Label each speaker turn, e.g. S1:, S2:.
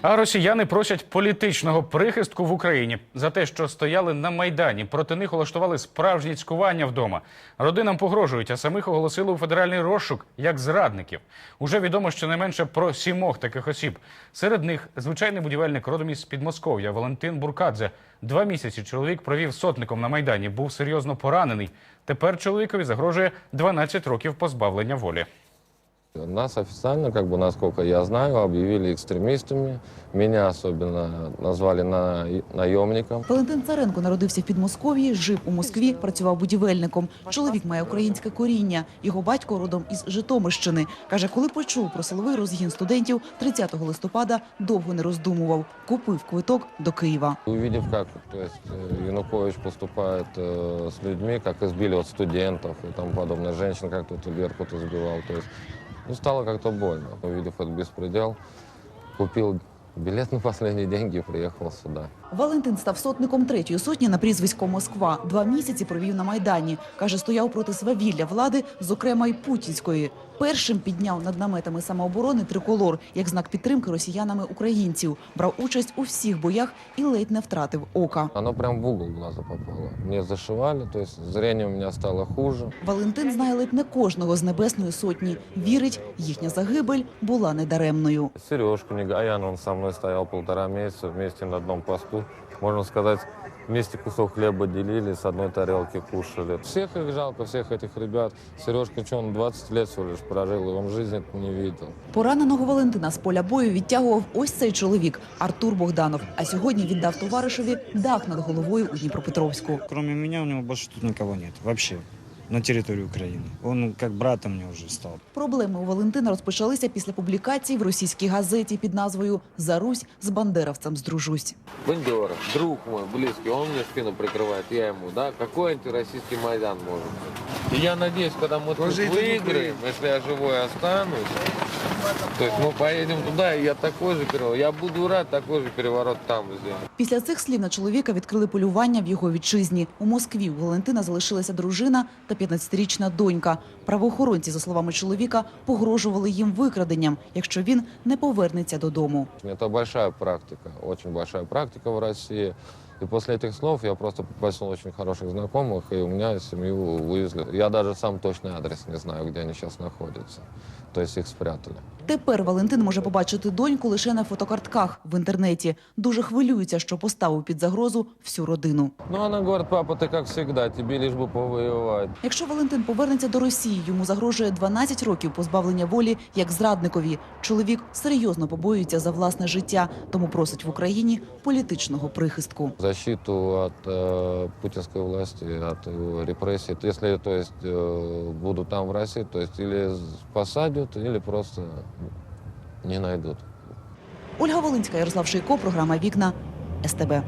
S1: А росіяни просять політичного прихистку в Україні за те, що стояли на Майдані. Проти них улаштували справжні цькування вдома. Родинам погрожують, а самих оголосили у федеральний розшук як зрадників. Уже відомо щонайменше про 7 таких осіб. Серед них звичайний будівельник родом із Підмосков'я Валентин Буркадзе. 2 місяці чоловік провів сотником на Майдані, був серйозно поранений. Тепер чоловікові загрожує 12 років позбавлення волі.
S2: Нас официально, насколько я знаю, объявили экстремистами. Меня особенно назвали наемником.
S3: Валентин Царенко народився в Підмосков'ї, жив у Москві, працював будівельником. Чоловік має українське коріння. Його батько родом із Житомирщини. Каже, коли почув про силовий розгін студентів, 30 листопада довго не роздумував. Купив квиток до Києва.
S2: Увидев, как Янукович поступает с людьми, как избили студентов и тому подобное, женщин, как тут Беркут избивал. Стало как-то больно. Увидев этот беспредел, купил билет на последние деньги и приехал сюда.
S3: Валентин став сотником 3-ї сотні на прізвисько Москва. 2 місяці провів на Майдані. Каже, стояв проти свавілля влади, зокрема й путінської. Першим підняв над наметами самооборони триколор, як знак підтримки росіянами українців. Брав участь у всіх боях і ледь не втратив ока.
S2: Оно прям в угол глаза попало. Мне зашивали, то есть зрение у меня стало хуже.
S3: Валентин знає ледь не кожного з Небесної сотні. Вірить, їхня загибель була недаремною.
S2: Сережку Негаян, он со мной стоял 1,5 месяца вместе на одном посту. Можно сказать, вместе кусок хлеба делили, с одной тарелки кушали. Всех их жалко, всех этих ребят. Сережка, что он 20 лет всего лишь прожил, и он в жизни это не видел.
S3: Пораненого Валентина з поля бою відтягував ось цей чоловік – Артур Богданов. А сьогодні віддав товаришеві дах над головою у Дніпропетровську.
S4: Кроме меня у него больше тут никого нет. Вообще. На территории Украины. Он как брата мне уже стал.
S3: Проблеми у Валентина розпочалися після публікації в російській газеті під назвою «За Русь з бандеровцем здружусь».
S5: Бандера, друг мой, близкий, он мне спину прикрывает, я ему, да? Какой антироссийский Майдан может быть? И я надеюсь, когда мы тут выиграем, если я живой останусь, то есть мы поедем туда, и я такой же переворот, я буду рад такой же переворот там сделать.
S3: Після цих слів на чоловіка відкрили полювання в його вітчизні. У Москві у Валентина залишилася дружина та 15-річна донька. Правоохоронці, за словами чоловіка, погрожували їм викраденням, якщо він не повернеться додому.
S2: Это большая практика, очень большая практика в России. И после этих слов я просто попросил очень хороших знакомых, и у меня семью вывезли. Я даже сам точный адрес не знаю, где они сейчас находятся. То есть их спрятали.
S3: Тепер Валентин може побачити доньку лише на фотокартках в інтернеті. Дуже хвилюється, що поставив під загрозу всю родину.
S2: Ну, она говорит, папа, ты как всегда, тебе лишь бы повоевать.
S3: Якщо Валентин повернеться до Росії, йому загрожує 12 років позбавлення волі як зрадникові. Чоловік серйозно побоюється за власне життя, тому просить в Україні політичного прихистку.
S2: Защиту от путинской власти, от его репрессий. Если, то есть, буду там в России, то есть или посадят, или просто не найдут.
S3: Ольга Волинська, Ярослав Шийко, програма «Вікна», СТБ.